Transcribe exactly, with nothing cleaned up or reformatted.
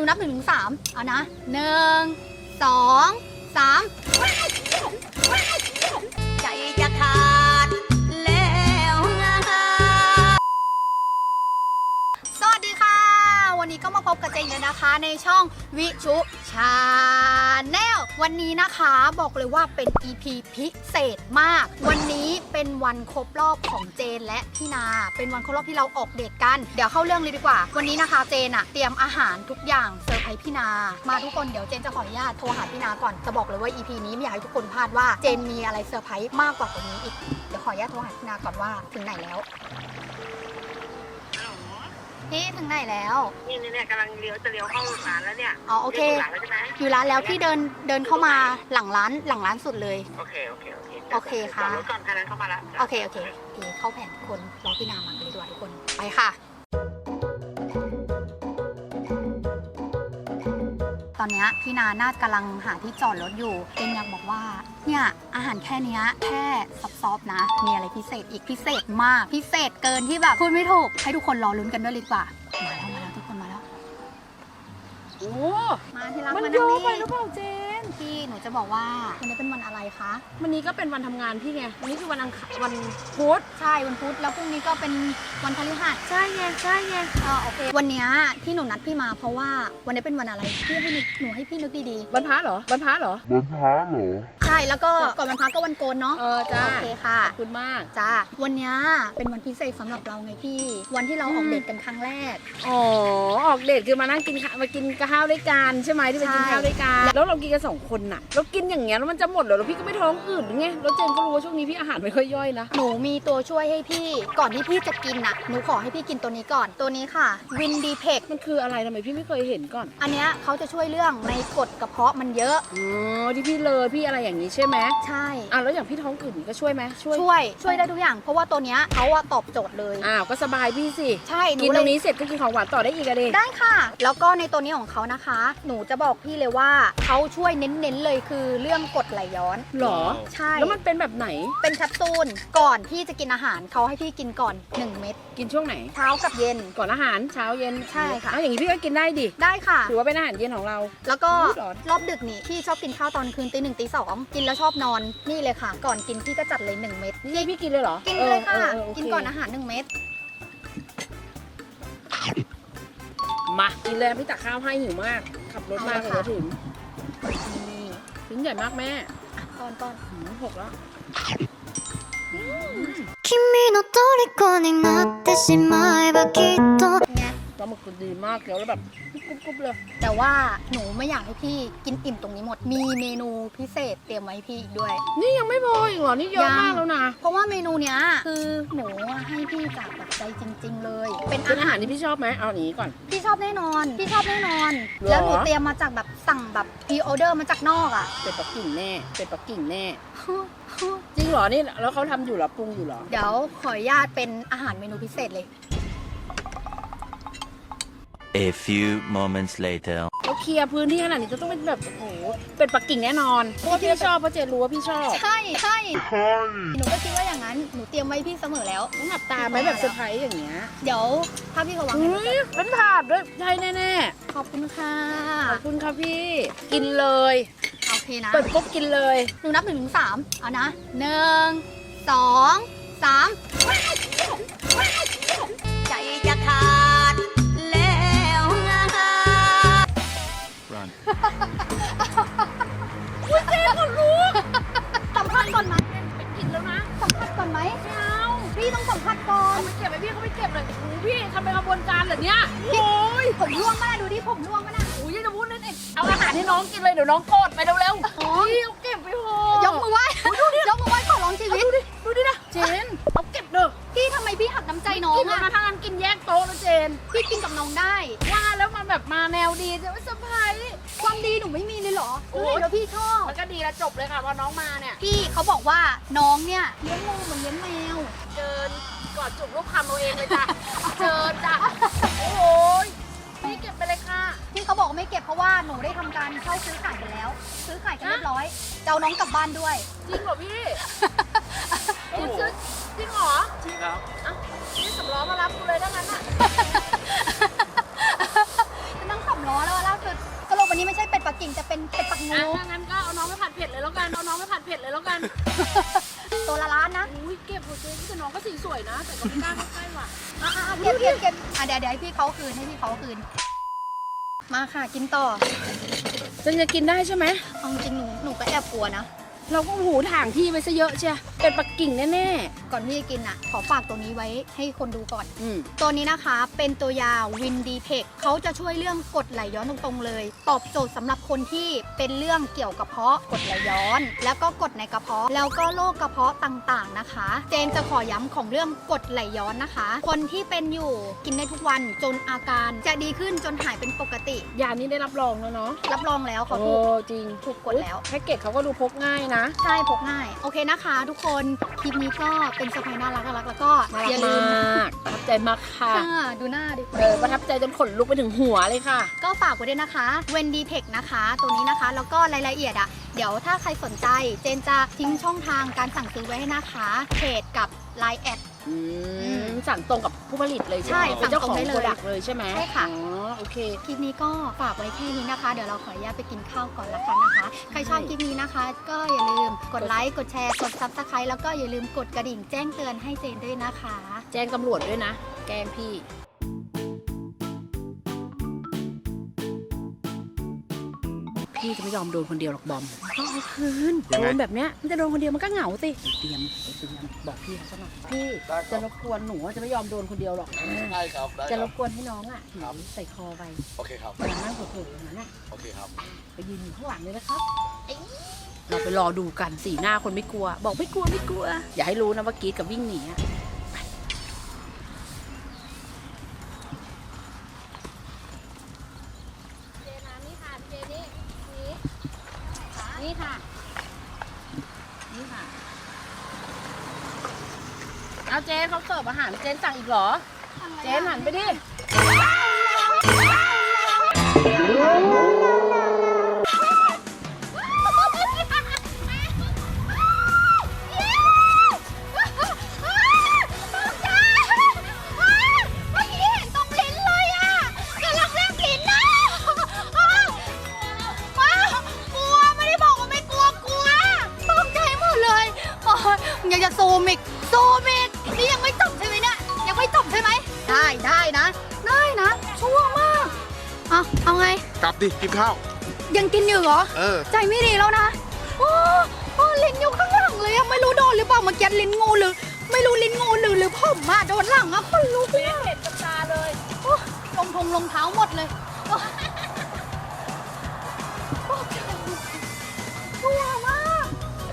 นับหนึ่งถึงสามเอานะหนึ่งสองสามใจจะขาดแล้วสวัสดีค่ะวันนี้ก็มาพบกับเจนเลยนะคะในช่องวิชุชาแนลวันนี้นะคะบอกเลยว่าเป็น อี พี พิเศษมากวันนี้เป็นวันครบรอบของเจนและพี่นาเป็นวันครบรอบที่เราออกเดทกันเดี๋ยวเข้าเรื่องเลยดีกว่าวันนี้นะคะเจนอะเตรียมอาหารทุกอย่างเซอร์ไพรส์พี่นามาทุกคนเดี๋ยวเจนจะขออนุญาตโทรหาพี่นาก่อนจะบอกเลยว่า อี พี นี้ไม่อยากให้ทุกคนพลาดว่าเจนมีอะไรเซอร์ไพรส์มากกว่าตัวนี้อีกเดี๋ยวขออนุญาตโทรหาพี่นาก่อนว่าถึงไหนแล้วพี่ถึงไหนแล้วนี่เนี่ยกำลังเลี้ยวจะเลี้ยวเข้าร้านแล้วเนี่ยอ๋อโอเคร้านแล้วใช่ไหมอยู่ร้านแล้วพี่เดินเดินเข้ามาหลังร้านหลังร้านสุดเลยโอเคโอเคโอเคโอเคค่ะรถก่อนคันนั้นเข้ามาแล้วโอเคโอเคโอเคเข้าแผนทุกคนรอพี่นามาเลยด้วยทุกคนไปค่ะตอนนี้พี่นาน่ากำลังหาที่จอดรถอยู่เจนอยากบอกว่าเนี่ยอาหารแค่นี้แค่ซอฟๆนะมีอะไรพิเศษอีกพิเศษมากพิเศษเกินที่แบบพูดไม่ถูกให้ทุกคนรอลุ้นกันด้วยเลยดีกว่ามาแล้วมาแล้วทุกคนมาแล้วโอ้มาที่รักมันมาเยนั่งอะนี่ไปหรือเปล่าเจนพี่หนูจะบอกว่าวันนี้เป็นวันอะไรคะวันนี้ก็เป็นวันทำงานพี่ไงวันนี้คือวันอังคารวันพุธใช่วันพุธแล้วพรุ่งนี้ก็เป็นวันพฤหัสใช่ไงใช่ไงอ่าโอเควันนี้ที่หนูนัดพี่มาเพราะว่าวันนี้เป็นวันอะไรพี่ให้นึกหนูให้พี่นึกดีๆวันพระเหรอวันพระเหรอวันพระเหรอใช่แล้วก็ก่อนวันพระก็วันโกนเนาะเออจ้าโอเคค่ะขอบคุณมากจ้าวันนี้เป็นวันพิเศษสำหรับเราไงพี่วันที่เราออกเดทกันครั้งแรกอ๋อออกเดทคือมานั่งกินมากินข้าวด้วยกันใช่ไหมที่ไปกินข้าวด้วยกันแล้วเรากินกันสองคนน่ะเรากินอย่างเงี้ยแล้วมันจะหมดเหรอแล้วพี่ก็ไม่ท้องอืดหรือไงแล้วเจนก็รู้ว่าช่วงนี้พี่อาหารไม่ค่อยย่อยนะหนูมีตัวช่วยให้พี่ก่อนที่พี่จะกินน่ะหนูขอให้พี่กินตัวนี้ก่อนตัวนี้ค่ะวินดีเพกมันคืออะไรทำไมพี่ไม่เคยเห็นก่อนอันเนี้ยเขาจะช่วยเรื่องในกรดกระเพาะมันเยอะอ๋อที่พี่เลยพี่อะไรอย่างนี้ใช่ไหมใช่อ่ะแล้วอย่างพี่ท้องอืดก็ช่วยไหมช่วยช่วยช่วยได้ทุกอย่างเพราะว่าตัวเนี้ยเขาอะตอบโจทย์เลยอ้าวก็สบายพี่สิใช่กินตรงนี้เสร็จก็กินของหวานต่อได้อีกอะเด็กได้ค่ะแล้วก็ในตัวนี้ของเขานะคะหนูจะบอกพี่เลยว่าเขาช่วยเน้นๆเลยคือเรื่องกรดไหลย้อนหรอใช่แล้วมันเป็นแบบไหนเป็นแคปซูลก่อนที่จะกินอาหารเขาให้พี่กินก่อนหนึ่งเม็ดกินช่วงไหนเช้ากับเย็นก่อนอาหารเช้าเย็นใช่ค่ะอย่างนี้พี่ก็กินได้ดิได้ค่ะถือว่าเป็นอาหารเย็นของเราแล้วก็รอบดึกนี่พี่ชอบกินข้าวตอนคืนตีหนึ่งตีสองกินแล้วชอบนอนนี่เลยค่ะก่อนกินพี่ก็จัดเลยหนึ่งเม็ดนี่พี่กินเลยเหรอกินเลยค่ะกินก่อนอาหารหนึ่งเม็ดมากินเลยพี่ตักข้าวให้หิวมากขับรถมาเลยถึงนี่ชิ้นใหญ่มากแม่ก้อนก้อนหกแล้ว君の虜になってしまえばきっとปลาหมึกมันดีมากแล้วแบบกรุบๆเลยแต่ว่าหนูไม่อยากให้พี่กินอิ่มตรงนี้หมดมีเมนูพิเศษเตรียมไว้ให้พี่อีกด้วยนี่ยังไม่พออีกเหรอนี่เยอะมากแล้วนะเพราะว่าเมนูเนี้ยคือหนูให้พี่จากแบบใจจริงๆเลยเป็นอาหารที่พี่ชอบไหมเอาหนีก่อนพี่ชอบแน่นอนพี่ชอบแน่นอนแล้วหนูเตรียมมาจากแบบสั่งแบบพรีออเดอร์มาจากนอกอ่ะเป็นปักกิ่งแน่เป็นปักกิ่งแน่จริงเหรอนี่แล้วเขาทำอยู่หรอปรุงอยู่หรอเดี๋ยวขออนุญาตเป็นอาหารเมนูพิเศษเลย A few moments later เราเคลียร์พื้นที่ขนาดนี้จะต้องเป็นแบบโอ้โหเป็นปักกิ่งแน่นอนเพราะว่าพี่ชอบเพราะเจนรู้ว่าพี่ชอบใช่ใช่หนูก็คิดว่าอย่างนั้นหนูเตรียมไว้พี่เสมอแล้วต้องหลับตาไหมแบบเซอร์ไพรส์อย่างเงี้ยเดี๋ยวถ้าพี่เขาวางเป็นถาดด้วยใช่แน่ๆขอบคุณค่ะขอบคุณค่ะพี่กินเลยโอเคนะเปิดปุ๊บกินเลยหนูนับหนึ่งถึงสามเอานะหนึ่งสองสามใจจะขาดแล้วอุ้ยเจ๊คนรู้สัมภาษณ์ก่อนไหมไปกินแล้วนะสัมภาษณ์ก่อนไหมไม่เอาพี่ต้องสัมภาษณ์ก่อนไม่เก็บไว้พี่เขาไม่เก็บเลยพี่ทำเป็นขบวนการเหรอเนี่ยโอ้ยผมร่วงมากดูดิผมร่วงมากนะอุ้ยจะพูดนั่นเองเอาอาหารให้น้องกินเลยเดี๋ยวน้องโกรธไปเร็วๆพี่เอาเก็บไปโหยกมือไหว้ดูดิยกมือไหว้ขอร้องชีวิตดูดิดูดินะเจนเอาเก็บเด้อพี่ทำไมพี่หักน้ำใจน้องกินมาทางนั้นกินแยกโต๊ะนะเจนพี่กินกับน้องได้ว่าแล้วมันแบบมาแนวดีจะไม่สบายความดีหนูไม่มีเลยเหรอโอ้ยแล้วพี่ชอบมันก็ดีแล้วจบเลยค่ะพอน้องมาเนี่ยพี่เขาบอกว่าน้องเนี่ยเลี้ยงงูเหมือนเลี้ยงแมวเจินกอดจุกลูกคำเราเองเลยจ้ะเจินจ้ะโอ้ยพี่เก็บไปเลยค่ะที่เขาบอกไม่เก็บเพราะว่าหนูได้ทำการเข้าซื้อขายไปแล้วซื้อขายกันเรียบร้อยเจ้าน้องกลับบ้านด้วยจริงเหรอพี่คุณซื้อจริงเหรอจริงครับอ่ะนี่สำล้อมารับกูเลยได้งั้นอ่ะนั่งสำล้อแล้วล่าสุดวันนี้ไม่ใช่เป็ดปักกิ่งจะเป็นเป็ดปักงูอ่ะถ้างั้นก็เอาน้องไปผัดเผ็ดเลยแล้วกันเอาน้องไปผัดเผ็ดเลยแล้วกันตัวละล้านนะอุ้ยเก็บหัวเจ๊แต่น้องก็สีสวยนะ แต่ก็ไม่กล้าเข้าใกล้ว่ะอ่ะอ่ะอ่ะเก็บเก็บเก็บอ่ะเดี๋ยวเดี๋ยวให้พี่เขาคืนให้พี่เขาคืน มาค่ะกินต่อเจนจะกินได้ใช่ไหมเอาจริงหนูหนูก็แอบกลัวนะเราก็หูถ่างที่ไปซะเยอะเชียเป็นปักกิ่งแน่ก่อนที่จะกินอ่ะ ขอฝากตัวนี้ไว้ให้คนดูก่อนๆอืมตัวนี้นะคะเป็นตัวยาวินดีเทคเขาจะช่วยเรื่องกรดไหลย้อนตรงๆเลย ตอบโจทย์สำหรับคนที่เป็นเรื่องเกี่ยวกับกระเพาะกรดไหลย้อน แล้วก็กรดในกระเพาะแล้วก็โรคกระเพาะต่างๆนะคะ เจนจะขอย้ำของเรื่องกรดไหลย้อนนะคะ คนที่เป็นอยู่กินได้ทุกวันจนอาการจะดีขึ้นจนหายเป็นปกติยานี้ได้รับรองแล้วเนาะรับรองแล้วเขาโอ้ถูกจริงถูกกดแล้วแพ็กเกจเขาก็ดูพกง่ายนะใช่พกง่ายโอเคนะคะทุกคนคลิปนี้ก็เป็นสะพายน่ารักน่ารักแล้วก็น่าอรัย่าก ลืมมากประทับใจมากค่ะค่ะดูหน้าดิเออประทับใจจนขนลุกไปถึงหัวเลยค่ะก็ฝากไว้ด้วยนะคะ Wendy Tech นะคะ ตัวนี้นะคะ แล้วก็รายละเอียดอะเดี๋ยวถ้าใครสนใจ เจนจะทิ้งช่องทางการสั่งซื้อไว้ให้นะคะเพจกับ ไลน์ แอดอืมสั่งตรงกับผู้ผลิตเลยใช่ใช่ไหมเป็นเจ้าของสั่งตรงได้เลยโปรดักต์เลยใช่ไหมใช่ค่ะอ๋อโอเคคลิปนี้ก็ฝากไว้แค่นี้นะคะ เดี๋ยวเราขออนุญาตไปกินข้าวก่อนละกันนะคะ ใครชอบคลิปนี้นะคะ ก็อย่าลืมกดไลค์ กดแชร์ กด ซับสไครบ์ แล้วก็อย่าลืมกดกระดิ่งแจ้งเตือนให้เจนด้วยนะคะแจ้งตำรวจด้วยนะ แกล้งพี่ พี่จะไม่ยอมโดนคนเดียวหรอกบอมต้องเอาคืนโดนแบบเนี้ยมันจะโดนคนเดียวมันก็เหงาสิเตรียมเตรียมบอกพี่เขาซะหน่อยพี่จะรบกวนหนูจะไม่ยอมโดนคนเดียวหรอกได้ครับได้จะครรับบกวนให้น้องอ่ะถือใส่คอไปโอเคครับแต่นั่งเผลอๆอย่างนั้นน่ะโอเคครับไปยืนอยู่ข้างหลังเลยนะครับเราไปรอดูกันสีหน้าคนไม่กลัว บอกไม่กลัวไม่กลัว อย่าให้รู้นะว่ากรีดกับวิ่งหนีอะเจน้ำนี่ค่ะเจนี่นี่นี่ค่ะ นี่ค่ะ เอาเจนเขาเสิร์ฟอาหารเจนสั่งอีกเหรอ เจนหันไปดิอยากจะซูมอีกซูมอีกนี่ยังไม่จบใช่ไหมเนี่ยยังไม่จบใช่ไหมได้ได้นะ ได้นะชั่วมากเอาเอาไงกลับดิ กินข้าวยังกินอยู่เหรอเออใจไม่ดีแล้วนะโอ้โอ้ลิ้นอยู่ข้างหลังเลยอะไม่รู้โดนหรือเปล่าเมื่อกี้ลิ้นงูหรือ ไม่รู้ลิ้นงูหรือหรือผมอะโดนหลังอะคนลุกเลยอะเห็นกับตาเลยโอ้รองทงรองเท้าหมดเลยโอ้